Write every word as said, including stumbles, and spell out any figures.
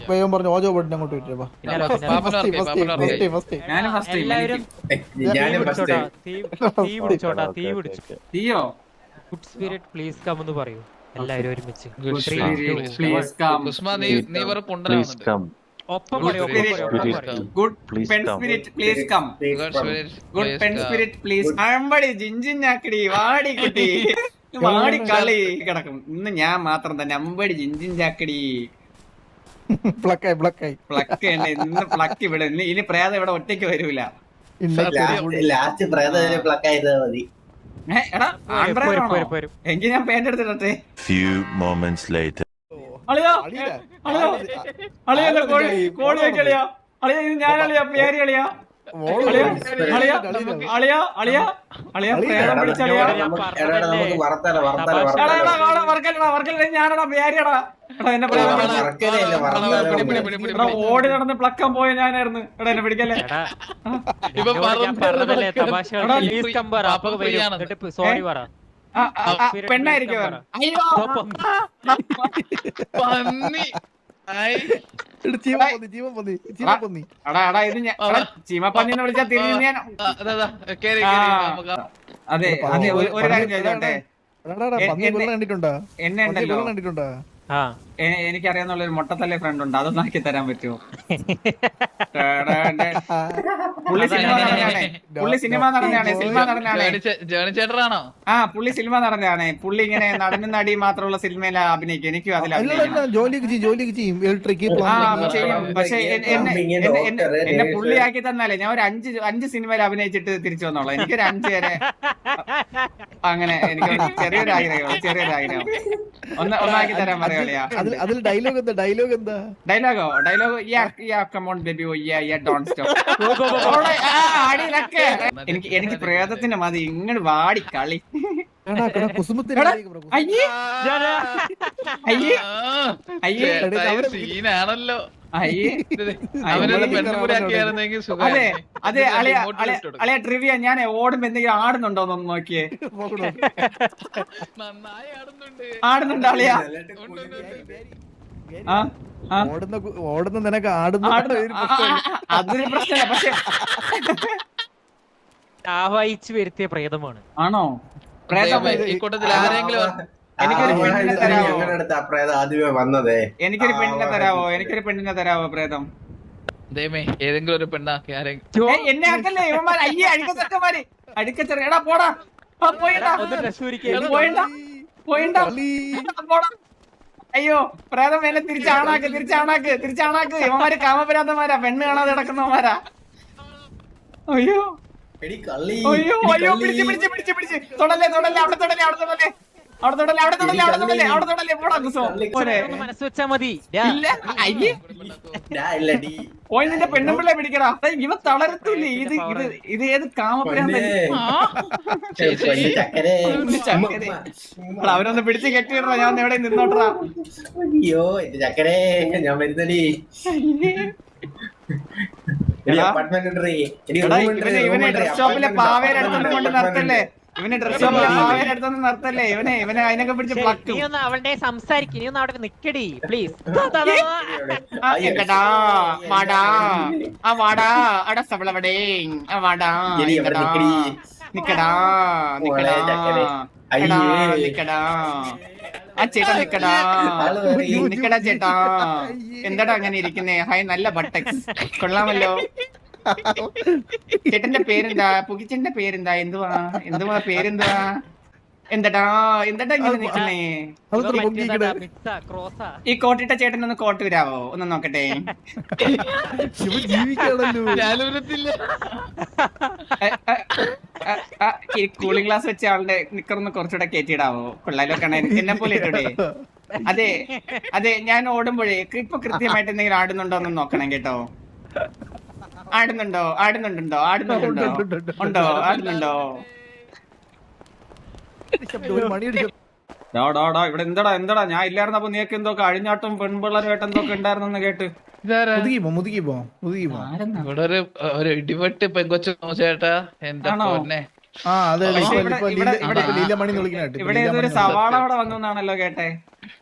പറഞ്ഞു ഓജോ ബോട്ടിനെ അങ്ങോട്ട് വിട്ടേ. ഗുഡ് സ്പിരിറ്റ് പ്ലീസ് കം എന്ന് പറയൂ എല്ലാവരും ഒരുമിച്ച്. ഒപ്പം പറയൂ, good pen spirit please come. Good pen spirit please. അമ്പടി ജിഞ്ചിഞ്ഞാക്കടി വാടി കുട്ടി വാടി കളി കിടക്കും. ഇന്ന് ഞാൻ മാത്രം തന്നെ അമ്പടി ജിഞ്ചിഞ്ചാക്കടി പ്ലക്കായി പ്ലക്കായി പ്ലക്ക് തന്നെ. ഇന്ന് പ്ലക്ക് ഇവിടെ ഇനി പ്രേതം ഇവിടെ ഒറ്റയ്ക്ക് വരൂല. ലാസ്റ്റ് പ്രേതം പ്ലക്ക് ആയതാ മതി. എങ്കിൽ ഞാൻ പേന്റ് എടുത്തിട്ടെ. അളിയോ അളിയോ അളിയോ കോഴി കോഴി കളിയാ അളിയ. ഇത് ഞാൻ അളിയാ പേര് കളിയാ അളിയ അളിയ അളിയ അളിയ അളിയ പ്രേതം പിടിച്ചളിയാ. ഞാനടാ പേരിയടാ. എടാ എന്നെ ഓടി നടന്ന് പ്ലക്കാൻ പോയ ഞാനായിരുന്നു. എടാ എന്നെ പിടിക്കല്ലേ. പെണ്ണായിരിക്കും. അയ്യോ ചീമപ്പന്നി എന്ന് വിളിച്ചാൽ തിരിഞ്ഞ് ഞാൻ. അതെ അതെ ഒരു കാര്യം ചോദിച്ചോട്ടെ. എന്നെ ഉണ്ടല്ലോ എനിക്കറിയാന്നുള്ള ഒരു മൊട്ടത്തല്ലേ ഫ്രണ്ട് ഉണ്ട്. അതൊന്നും ആക്കി തരാൻ പറ്റുമോ? പുള്ളി സിനിമ നടനാണ്. പുള്ളി സിനിമ നടനാണ്. സിനിമ നടനാണ്. ആ പുള്ളി സിനിമ നടനാണ്. പുള്ളി ഇങ്ങനെ നടനും നടി മാത്രമുള്ള സിനിമയിൽ അഭിനയിക്കും. എനിക്കും അതിൽ പക്ഷെ എന്നെ പുള്ളിയാക്കി തന്നാലേ ഞാൻ ഒരു അഞ്ച് അഞ്ച് സിനിമയിൽ അഭിനയിച്ചിട്ട് തിരിച്ചു വന്നോളാം. എനിക്കൊരു അഞ്ച് വരെ അങ്ങനെ എനിക്ക് ചെറിയൊരു ആഗ്രഹം ചെറിയൊരു ആഗ്രഹം ഒന്ന് ഒന്നാക്കി തരാൻ പറയാ. അതിൽ ഡയലോഗ് എന്താ? ഡയലോഗ് എന്താ? ഡയലോഗോ ഡയലോഗ് എനിക്ക് എനിക്ക് പ്രേതത്തിന്റെ മതി. ഇങ്ങോട്ട് വാടി കളി. അയ്യേ അയ്യേ സീനാണല്ലോ. അയ്യേ അതെ അതെ അളിയ അളിയ ട്രിവിയ. ഞാൻ ഓടുമ്പോ എന്തെങ്കിലും ആടുന്നുണ്ടോന്നൊന്ന് നോക്കിയേ. ആടുന്നുണ്ട് അളിയ. ഓടുന്ന നിനക്ക് ആടുന്ന അതൊരു പ്രശ്നമല്ല. പക്ഷെ ആവാഹിച്ചു വരുത്തിയ പ്രേതമാണ്. ആണോ? പ്രേതം ഈ കൂട്ടത്തിൽ ആരെങ്കിലും എനിക്കൊരു പെണ്ണിനെ തരാവോ? വന്നതേ എനിക്കൊരു പെണ്ണിനെ തരാവോ? എനിക്കൊരു പെണ്ണിനെ തരാവോ? പ്രേതം ദൈവമേ ഏതെങ്കിലും ഒരു പെണ്ണാക്കി ആരെങ്കിലും. എന്നെ ആക്കല്ലേ ഇവന്മാർ. അയ്യേ അഴുക്കച്ചക്കന്മാര് അഴുക്കച്ചെറിയ. എടാ പോടാ പോയിണ്ടാ പോയിണ്ടാ പോയിണ്ടാ പോടാ. അയ്യോ പ്രേതം എന്നെ തിരിച്ചാണാക്ക് തിരിച്ചാണാക്ക് തിരിച്ചാണാക്ക്. ഇവന്മാര് കാമപരാധന്മാരാ. പെണ്ണ് കാണാതെ കിടക്കുന്നവന്മാരാ. അയ്യോ അയ്യോ അയ്യോ പിടിച്ച് പിടിച്ച് പിടിച്ച് പിടിച്ച് തൊടല്ലേ തൊടല്ലേ അവിടെ തൊടല്ലേ അവിടെ തൊടല്ലേ അവിടെ തൊടല്ലേ അവിടെ തൊടല്ലേ അവിടെ തൊടല്ലേ അവിടെ തൊടല്ലേ പോടാ കുസോ. മനസ്സ് വെച്ചാ മതി. ഇല്ല അയ്യേ പോയി നിന്റെ പെണ്ണുമ്പിള്ളെ പിടിക്കടാ. ഇവ തളരത്തില്ലേ. ഇത് ഇത് ഇത് ഏത് കാമപരാധൻ? അവരൊന്ന് പിടിച്ച് കെട്ടിയിടാ. ഞാൻ എവിടെ നിന്നോട്ടാ. അയ്യോ എന്റെ ചക്കരേ ഞാൻ വരുന്നടി. ഇവനെ ഡ്രസ് ഷോപ്പിലെ പാവേരടുത്തൊന്നും കൊണ്ട് നിർത്തല്ലേ. ഇവനെ ഡ്രസ് ഷോപ്പിലെ പാവേരടുത്തൊന്നും നിർത്തല്ലേ. ഇവനെ ഇവനെ അതിനൊക്കെ പിടിച്ച് പ്ലക്കും. അവളുടെ സംസാരിക്കും. നീ ഒന്ന് അവിടെ നിക്കടി പ്ലീസ്. എങ്കടാ വാടാ ആ വാടാ അടസവളവിടെ ആ വാടാ നിക്കടാ നിക്കടാ നിക്കടാ ആ ചേട്ടാ നിക്കടാ നിക്കടാ ചേട്ടാ. എന്താടാ അങ്ങനെ ഇരിക്കുന്നേ? ഹായ് നല്ല ബട്ടക്സ് കൊള്ളാമല്ലോ. ചേട്ടന്റെ പേരെന്താ? പുകിച്ചന്റെ പേരെന്താ? എന്തുവാ എന്തുവാ പേരെന്തുവാ? എന്താടാ എന്താടാ ഇങ്ങനെ നിക്കുന്നേ? ഈ കോട്ടിട്ട ചേട്ടൻ ഒന്ന് കോട്ട് വരാവോ? ഒന്ന് നോക്കട്ടെ. ഈ കൂളിംഗ് ഗ്ലാസ് വെച്ച ആളുടെ നിക്കറൊന്ന് കുറച്ചുകൂടെ കയറ്റിയിടാവോ? കൊള്ളാലോ കാണാൻ. എന്നെ പോലെ ഇട്ടൂടെ? അതെ അതെ ഞാൻ ഓടുമ്പോഴേ ഇപ്പൊ കൃത്യമായിട്ട് എന്തെങ്കിലും ആടുന്നുണ്ടോ എന്ന് നോക്കണം കേട്ടോ. ആടുന്നുണ്ടോ ആടുന്നുണ്ടോ ആടുന്നുണ്ടോ ഉണ്ടോ ആടുന്നുണ്ടോ? ഇവിടെ എന്താടാ എന്താടാ ഞാൻ ഇല്ലായിരുന്നപ്പോ നീക്ക് എന്തൊക്കെ അഴിഞ്ഞാട്ടും പെൺപിള്ളേരുമായിട്ട് എന്തൊക്കെ ഉണ്ടായിരുന്നെന്ന് കേട്ട്. ഇവിടെ ഒരു ഒരു ഇടിവെട്ട് പെങ്കൊച്ചു ചേട്ടാ. എന്താണോ ഇവിടെ ഏതൊരു സവാള അവിടെ വന്നു എന്നാണല്ലോ കേട്ടെ.